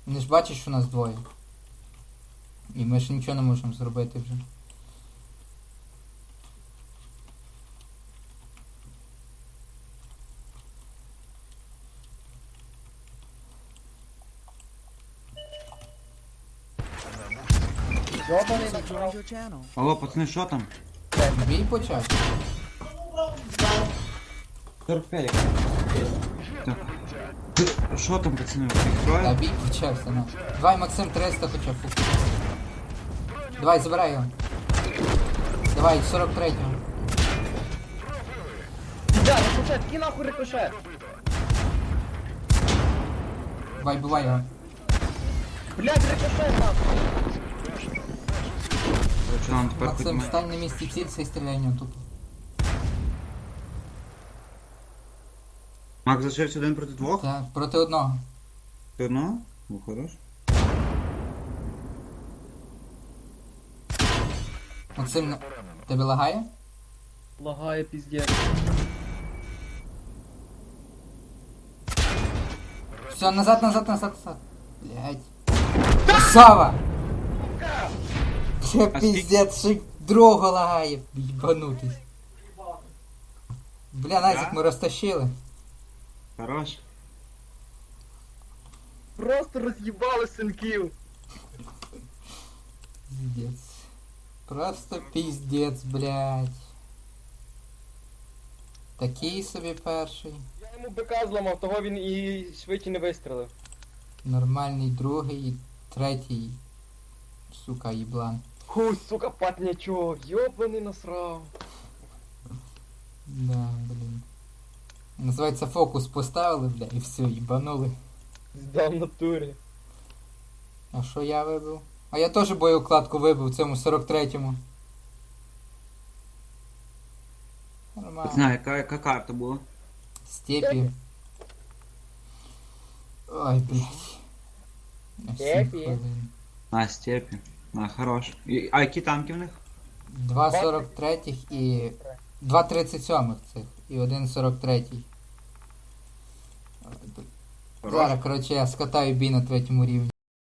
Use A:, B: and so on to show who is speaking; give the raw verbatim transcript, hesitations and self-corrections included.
A: Не ж бачиш, що нас двоє. І ми ж нічого не можемо зробити вже.
B: Йобаний
C: Joined
B: накрав.
C: your channel.
D: Алло, пацани, що там?
A: Бій почався.
D: сорок п'ять. Так. Ти- Що там, пацани? Всіх
A: Та
D: троє?
A: бій почався, ну. Давай, Максим, триста хоча б. Давай, забирай його. Давай, сорок третього.
B: Да, рикошет, ки нахуй рикошет.
A: Давай, бувай його.
B: Блядь, рикошет нахуй.
D: Що нам тепер
A: Максим,
D: ходимо?
A: стань на місці цілься і стріляй в нього тупо.
D: Мак залишився один проти двох?
A: Так, проти одного.
D: Ти одного? Ну, хорош.
A: Максим, на- тебе лагає?
B: Лагає піздець.
A: Все, назад, назад, назад, назад. Блять. Красава! Це
D: А скільки-
A: піздець, ще й другого лагає. Їбанутись. Бля, Назік, ми розтащили.
D: Хорош.
B: Просто роз'їбали синків.
A: Пиздец. Просто пиздец, блядь. Такий собі перший.
B: Я йому бика зламав, того він і швидше не вистрілив.
A: Нормальний другий і третій. Сука, їблан.
B: Ху, сука, патнячок, йобаний насрав.
A: Да, блін. Називається фокус поставили, бля, і все, їбанули.
B: Здав в натурі.
A: А що я вибив? А я теж боєукладку вибив в цьому сорок третьому. Нормально.
D: Пацани, яка, яка карта була?
A: Степі. Ой, блядь. На сім
B: Степі.
A: хвилин.
D: А, степі. А, хорош. І, а які танки в них?
A: Два сорок третіх і... Два тридцять сьомих цих. І один сорок третій.
D: Хорош.
A: Зараз, коротше, я скатаю бій на третьому рівні.